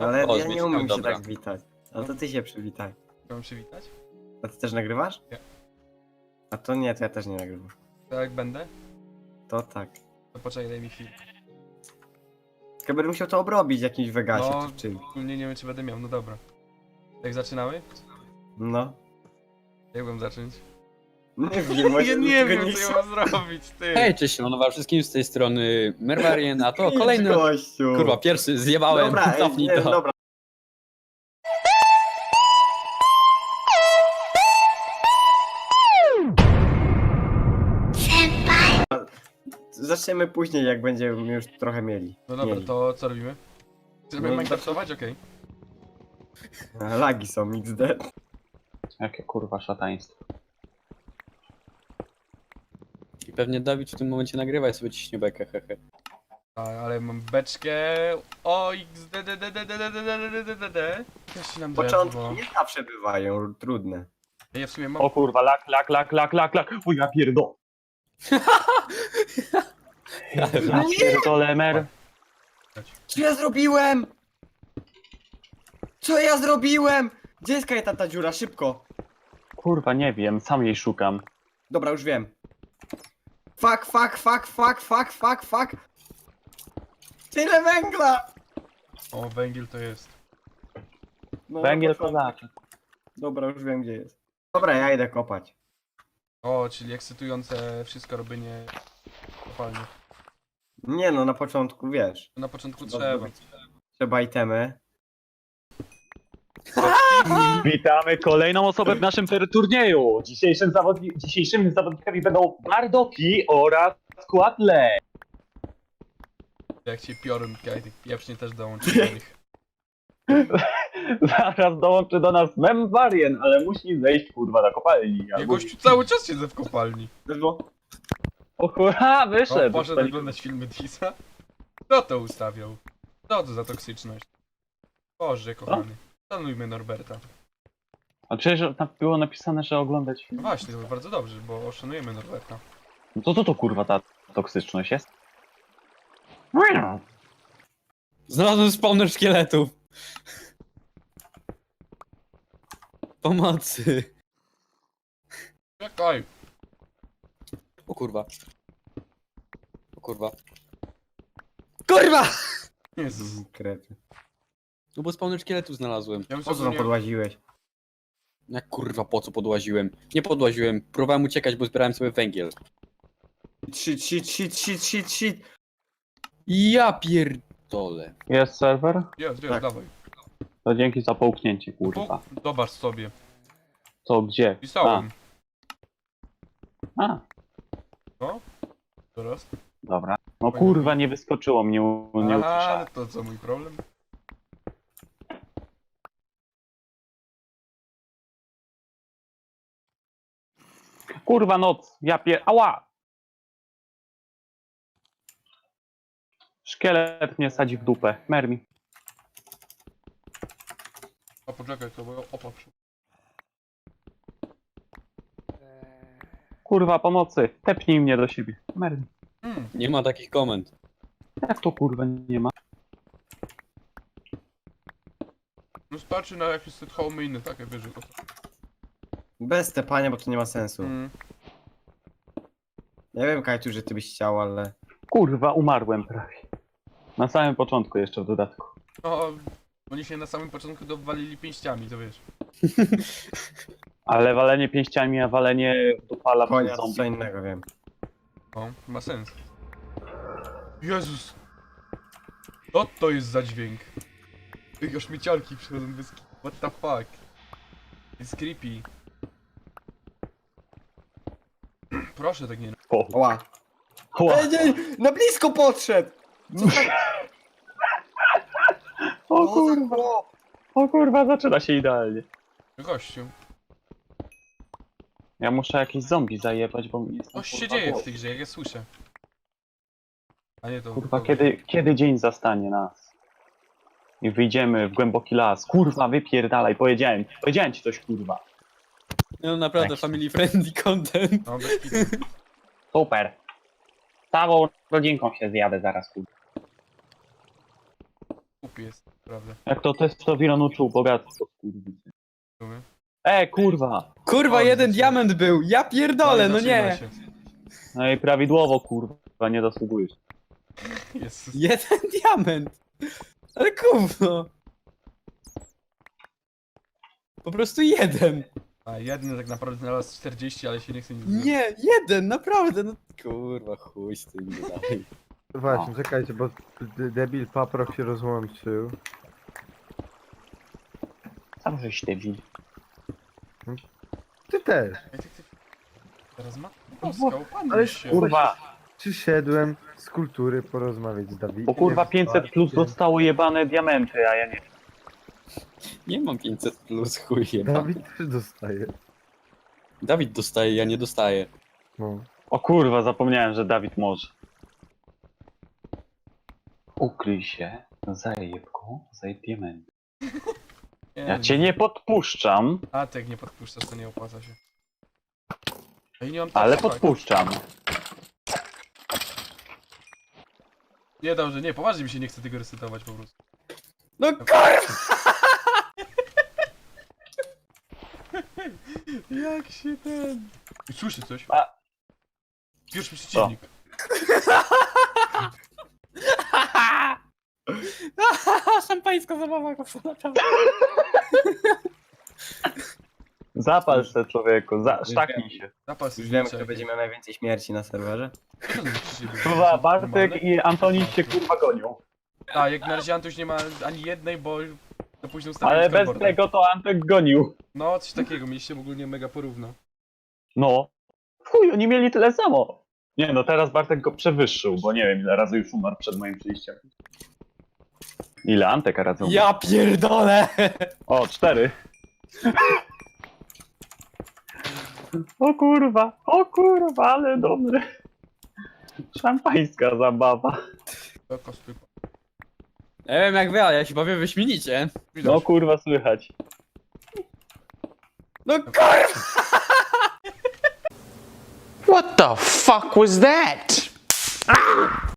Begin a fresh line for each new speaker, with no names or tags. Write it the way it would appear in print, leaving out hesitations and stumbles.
Ale
O,
ja nie
zmieciłem,
umiem się
dobra.
tak witać. A to ty się przywitaj.
Mam przywitać?
A ty też nagrywasz?
Nie.
A to nie, to ja też nie nagrywam.
To jak będę?
To tak.
To poczekaj, daj mi chwilę.
Tylko będę musiał to obrobić w jakimś Vegasie
No,
czy czym.
nie wiem czy będę miał, no dobra. Jak zaczynamy?
No.
Jak mam zacząć?
Nie wiem,
Ja
może
nie
tego
wiem co ja mam zrobić, ty!
Hej, cześć, siemanowa wszystkim z tej strony Merwarien, a to
Idź,
kolejny...
gościu.
Kurwa, pierwszy zjebałem,
Dobra,
cofnij
nie,
to.
dobra. Zaczniemy później, jak będziemy już trochę mieli.
No dobra,
Mieli.
to co robimy? Chcemy
No,
Minecraftować? Okej.
Lagi są XD.
Jakie kurwa szataństwo.
I pewnie Dawid w tym momencie nagrywa i sobie ciśnie bekę, hehe.
Ale mam beczkę... O, XDDDDDDDDDDD. Też nam
Początki
drewno.
nie zawsze bywają trudne.
Ja w sumie mam...
O kurwa, lak. O ja pierdo. Ja pierdolę, mer.
Co ja zrobiłem? Co ja zrobiłem? Gdzie jest ta dziura? Szybko.
Kurwa, nie wiem, sam jej szukam.
Dobra, już wiem. Fuck. Tyle węgla!
O, węgiel to jest.
No,
Węgiel
na początku.
kozaczy.
Dobra, już wiem gdzie jest. Dobra, ja idę kopać.
O, czyli ekscytujące wszystko robienie kopalni.
Nie no, na początku wiesz.
Na początku
Trzeba
trzeba.
zrobić. Trzeba itemy.
Witamy kolejną osobę w naszym turnieju. Dzisiejszymi zawodnikami będą Bardoki oraz Składle.
Jak ci piorun kajty, pieprzni też dołączy do nich.
Zaraz dołączy do nas Memwarien, ale musi zejść kurwa na kopalni.
Ja gościu cały czas siedzę w kopalni.
O kurwa,
O,
wyszedł.
poszedł oglądać filmy Disa. Kto to ustawiał? Co to za toksyczność? Boże kochany. Szanujmy Norberta.
A przecież tam było napisane, że oglądać
No
film.
właśnie, to bardzo dobrze, bo szanujemy Norberta.
No to co to kurwa ta toksyczność jest?
Znalazłem spawner szkieletów. Pomocy.
Czekaj!
O kurwa. O kurwa. Kurwa!
Jezus.
Krety.
No bo spawner szkieletów znalazłem.
Ja bym
Po co
sobie
tam
nie...
podłaziłeś?
Jak kurwa, po co podłaziłem? Nie podłaziłem, próbowałem uciekać, bo zbierałem sobie węgiel.
Shit.
Ja pierdolę.
Jest serwer?
Jest,
Tak.
dawaj.
To dzięki za połknięcie kurwa.
Zobacz sobie.
Co, gdzie?
Pisałem.
A,
Teraz?
dobra. No kurwa, nie wyskoczyło mnie, nie
Aha,
usłyszałem.
to co, mój problem?
Kurwa noc, ja ała! Szkielet mnie sadzi w dupę, mermi.
A poczekaj, to bo opatrz.
Kurwa pomocy, tepnij mnie do siebie, mermi.
Nie ma takich komend.
Jak to kurwa nie ma?
No starczy na jakieś set home inne takie wiesz, to.
Bez tepania, bo to nie ma sensu.
Mm.
Ja wiem, Kajtu, że ty byś chciał, ale...
Kurwa, umarłem prawie. Na samym początku jeszcze w dodatku.
No, oni się na samym początku dowalili pięściami, to wiesz.
Ale walenie pięściami, a walenie dupala
Konia
przez
to co
zombie.
innego, wiem.
O, ma sens. Jezus! Co to jest za dźwięk? Ej, śmieciarki przychodzą bez... What the fuck? It's creepy. Proszę tak nie...
O,
Ła.
ła.
Nie, na blisko podszedł! Co tak?
O
Co
kurwa,
za chłop?
o kurwa, zaczyna się idealnie.
Gościu.
Ja muszę jakieś zombie zajebać, bo nie jestem
Coś się
kurwa,
dzieje w
głodny.
tej grze, jak ja słyszę. A nie to...
Kurwa,
to...
kiedy dzień zastanie nas? I wyjdziemy w głęboki las. Kurwa, wypierdalaj, powiedziałem ci coś, kurwa.
No naprawdę
Tak.
family friendly content.
No, bez kitu.
Super. Całą rodzinką się zjadę zaraz, kurwa.
głupi jest, prawda.
Jak to testowiron uczył bogactwo, kurwicy.
Rozumiem.
Kurwa!
Kurwa,
O,
jeden
widzicie.
diament był! Ja pierdolę, no
zaczyna
nie!
się.
No i prawidłowo, kurwa, nie zasługujesz.
Jezus.
Jeden diament! Ale gówno! Po prostu jeden!
A jeden tak naprawdę znalazł 40, ale się nie chce nic zrobić.
Nie, jeden, naprawdę, no kurwa, chuj z tym dalej.
Właśnie, czekajcie, bo debil paprok się rozłączył.
Sam żeś debil.
Ty też.
Ej, ty. Teraz ma?
bo-
Oskał, pan
ale
się.
Kurwa,
Przyszedłem z kultury porozmawiać z Dawidem.
bo kurwa 500 plus dostało jebane diamenty, a ja nie.
Nie mam 500 plus, chuj jeba.
Dawid też dostaje.
Dawid dostaje, ja nie dostaję.
No.
O kurwa, zapomniałem, że Dawid może. Ukryj się, zajebku, zajeb diamenty. Ja cię nie podpuszczam,
A tak nie podpuszczasz, to nie opłaca się. Ej, nie mam
ale
tak, tak.
podpuszczam.
Nie, dobrze, nie, poważnie mi się nie chce tego resetować po prostu.
No kurwa!
Jak się ten... I słyszy coś?
A.
Pierwszy przeciwnik.
Szampańska zabawa, kurwa, naprawdę.
Zapal se człowieku, sztaknij się.
Zapal
Już
sobie
wiem,
liczek.
kto będzie miał najwięcej śmierci na serwerze.
Kurwa, Bartek i Antoni się kurwa gonią.
A, jak na razie Antuś nie ma ani jednej, bo to później ustawiłem
Ale bez
scoreboarda.
tego to Antek gonił.
No, coś takiego, mieliście ogólnie mega porówno.
No. W chuj, oni mieli tyle samo. Nie no, teraz Bartek go przewyższył, bo nie wiem ile razy już umarł przed moim przyjściem. Ile Antek razy umarł?
Ja pierdolę!
O, 4. O kurwa, ale dobre. Szampańska zabawa.
Taka stypa.
Nie wiem jak wy, ale ja się bawię wyśmienicie.
Widać.
No kurwa, słychać.
No kurwa!
What the fuck was that?